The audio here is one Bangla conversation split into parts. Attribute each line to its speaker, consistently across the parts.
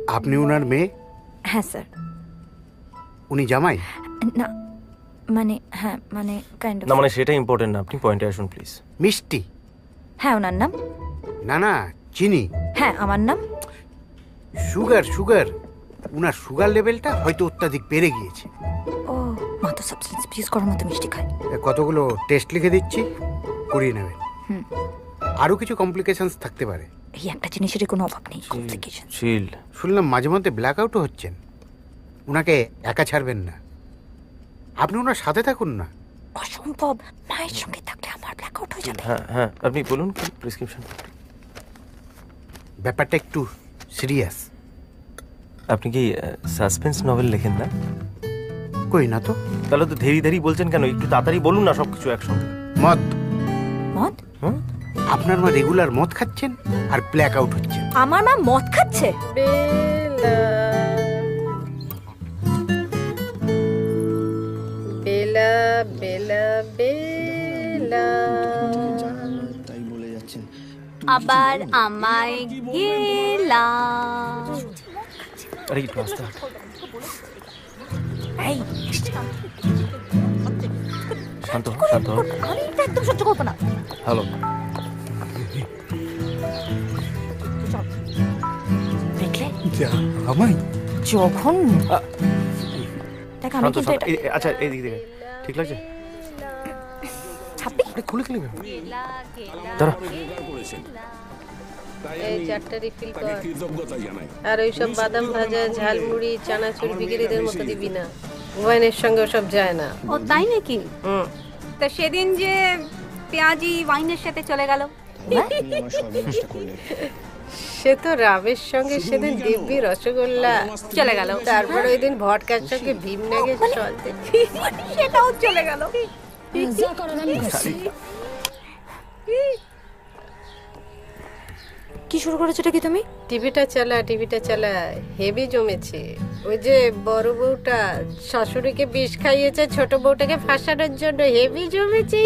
Speaker 1: আপনি ওনার মেয়ে?
Speaker 2: হ্যাঁ স্যার।
Speaker 1: উনি জামাই?
Speaker 2: না মানে হ্যাঁ মানে কাইন্ড অফ।
Speaker 3: না মানে সেটা ইম্পর্টেন্ট না, আপনি পয়েন্টে আসুন প্লিজ।
Speaker 1: মিষ্টি?
Speaker 2: হ্যাঁ ওনার নাম?
Speaker 1: না না, চিনি।
Speaker 2: হ্যাঁ আমার নাম।
Speaker 1: সুগার সুগার, উনার সুগার লেভেলটা হয়তো অত্যাধিক বেড়ে গিয়েছে।
Speaker 2: ও মা তো সাবস্টেন্স ইউজ করার মতো মিষ্টি খায়।
Speaker 1: কতগুলো টেস্ট লিখে দিচ্ছি, করিয়ে নেবেন। আরও কিছু কমপ্লিকেশনস থাকতে পারে।
Speaker 2: এই একটা জিনিসেরই কোনো অভাব নেই, কমপ্লিকেশন।
Speaker 3: চিল।
Speaker 1: শুনলাম মাঝে মধ্যে ব্ল্যাক আউটও হচ্ছেন। উনাকে একা ছাড়বেন না, আপনি ওনার সাথে থাকুন না।
Speaker 2: অসম্ভব, মায়ের সঙ্গে থাকলে আমার ব্ল্যাক আউট হয়ে যাবে।
Speaker 3: হ্যাঁ হ্যাঁ, আপনি বলুন কি প্রেসক্রিপশন।
Speaker 1: ব্যাপারটা একটু সিরিয়াস।
Speaker 3: আপনি কি সাসপেন্স নভেল লেখেন না?
Speaker 1: কই না তো।
Speaker 3: তাহলে তো ধীরে ধীরে বলছেন কেন? একটু তাড়াতাড়ি বলুন না সবকিছু একসঙ্গে।
Speaker 1: মদ।
Speaker 2: মদ?
Speaker 1: আপনার মা রেগুলার মদ খাচ্ছেন আর ব্ল্যাক আউট হচ্ছে।
Speaker 2: আমার মা মদ খাচ্ছে?
Speaker 4: বেলা বেলা বেলা
Speaker 5: তাই বলে যাচ্ছেন।
Speaker 6: আবার আমায় গেলা।
Speaker 3: আরে একটু আস্তে।
Speaker 2: এই
Speaker 3: শান্ত হও, শান্ত হও।
Speaker 2: আমি এটা একদম সহ্য করবো না।
Speaker 3: হ্যালো।
Speaker 2: দেখলে
Speaker 1: আমায়
Speaker 2: যখন দেখ আমি
Speaker 3: শান্ত
Speaker 2: কিন্তু
Speaker 3: শান্ত।
Speaker 2: এটা
Speaker 3: আচ্ছা এইদিক থেকে ঠিক লাগছে?
Speaker 2: ছাপি
Speaker 3: আরে খুলে খুলে দাঁড়া।
Speaker 4: এই চারটা রিফিল কর। আর ওইসব বাদাম ভাজা, ঝালমুড়ি, চানাচুর বিক্রিদের মতো দিবি না। ওয়াইনের সঙ্গে ওসব যায় না।
Speaker 6: ও তাই নাকি?
Speaker 4: হুম।
Speaker 6: তা সেদিন যে পেঁয়াজি ওয়াইনের সাথে চলে গেল,
Speaker 5: আমার সর্বনাশটা করলেন।
Speaker 4: সে তো রাবের সঙ্গে সেদিন দিব্যি রসগোল্লা
Speaker 6: চলে গেল।
Speaker 4: তারপর ওই দিন ভটকার সঙ্গে ভীমনাগে চলতে
Speaker 6: সেটাও চলে গেল।
Speaker 5: যা করার আমি করছি।
Speaker 2: কি শুরু করেছো এটা কি তুমি?
Speaker 4: টিভিটা চালা হেভি জমেছে। ওই যে বড় বউটা শাশুড়িকে বিষ খাইয়েছে ছোট বউটাকে ফাঁসানোর জন্য, হেভি জমেছে।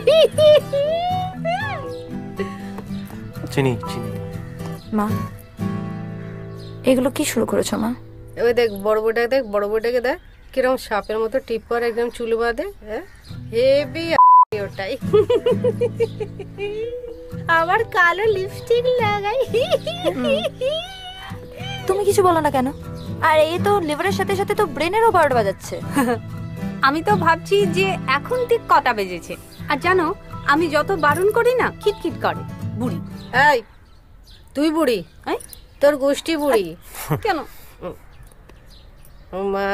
Speaker 3: চিনি চিনি।
Speaker 2: মা এগুলো কি শুরু করেছো মা?
Speaker 4: ওই দেখ বড় বউটাকে দেখ কিরকম সাপের মতো টিপ করে একদম চুল বাঁধে। হেভি ওটাই। আবার কালো লিপস্টিক লাগাই।
Speaker 2: তুমি কিছু বলো না কেন? আর এই তো লিভারের সাথে সাথে তো ব্রেনেরও বারোট বাজাচ্ছে।
Speaker 6: আমি তো ভাবছি যে এখন ঠিক কটা বেজেছে। আর জানো আমি যত বারণ করি না খিটখিট করে বুড়ি।
Speaker 4: এই তুই বুড়ি?
Speaker 6: এই,
Speaker 4: তোর গোষ্ঠী বুড়ি।
Speaker 6: কেন?
Speaker 4: ও মা,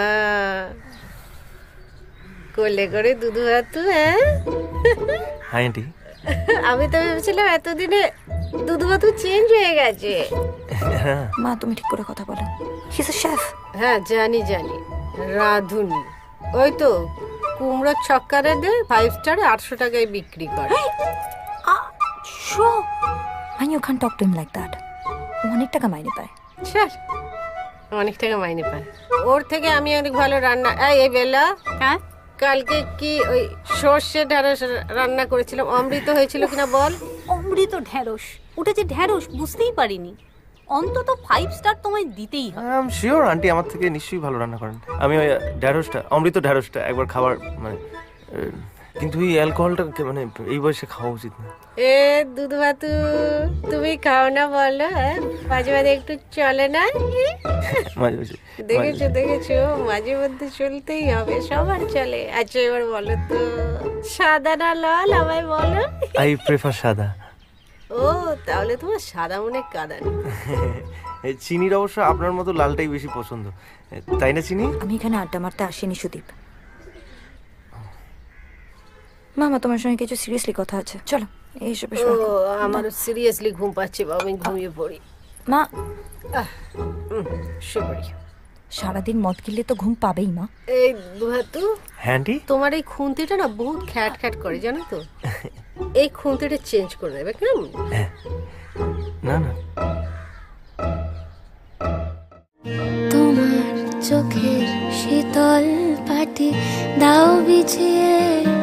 Speaker 4: কোলে করে দুধু হাতু। হ্যাঁ
Speaker 3: হাই আন্টি।
Speaker 4: আমি তো ভেবেছিলাম এতদিনে দুধু হাতু চেঞ্জ হয়ে গেছে।
Speaker 2: মা তুমি ঠিক করে কথা বলো। He is a chef.
Speaker 4: হ্যাঁ জানি রাঁধুনি। ওই তো কুমড়োর ছক্কারে দে 5 স্টারে 800 টাকায় বিক্রি করে।
Speaker 2: Show and you can't talk to him like that. অনেক টাকা মাইনে পায়।
Speaker 4: ছাড়, অনেক টাকা মাইনে পায়। ওর থেকে আমি অনেক ভালো রান্না। এই বেলা,
Speaker 6: হ্যাঁ
Speaker 4: কালকে কি ওই সর্ষে ঢেঁড়স রান্না করেছিলাম, অমৃত হয়েছিল কিনা বল?
Speaker 6: অমৃত ঢ্যাঁড়স, ওটা যে ঢ্যাঁড়স বুঝতেই পারিনি। অন্তত 5 স্টার তোমায় দিতেই হবে।
Speaker 3: আই এম শিওর আন্টি আমার থেকে নিশ্চয়ই ভালো রান্না করেন। আমি ওই ঢ্যাঁড়সটা, অমৃত ঢ্যাঁড়সটা একবার খাবার মানে, কিন্তু এই অ্যালকোহলটা মানে এই বয়সে খাওয়া উচিত না।
Speaker 4: এ দুধ ভাতু তুমি খাও না বলো? মাঝে মাঝে একটু চলে না?
Speaker 3: মাঝে মাঝে
Speaker 4: দেখেছো মাঝে মধ্যে চলতেই হবে, সবার চলে। আচ্ছা এবার বলো তো, সাদা না লাল আমায় বলো?
Speaker 3: আই প্রেফার সাদা।
Speaker 4: ও তাহলে তোমার সাদা মনে কাদা নেই।
Speaker 3: চিনির অবশ্য আপনার মতো লালটাই বেশি পছন্দ, তাই না চিনি?
Speaker 2: আমি এখানে আড্ডা মারতে আসিনি সুদীপ। মামা তোমার সঙ্গে কিছু সিরিয়াসলি কথা আছে, চলো এইসব।
Speaker 4: ও আমারও সিরিয়াসলি ঘুম পাচ্ছে, বাবা আমি ঘুমিয়ে পড়ি।
Speaker 2: মা
Speaker 4: শুভরি,
Speaker 2: সারাদিন মদ গিললে তো ঘুম পাবেই মা।
Speaker 4: এই দুহাতু,
Speaker 3: হ্যাঁ আন্টি।
Speaker 4: তোমার এই খুন্তিটা না বহুত খ্যাট খ্যাট করে জানো তো। এই খুন্তিটা চেঞ্জ করে দেবে কেমন?
Speaker 3: না না,
Speaker 7: তোমার চোখের শীতল পাটি দাও বিছিয়ে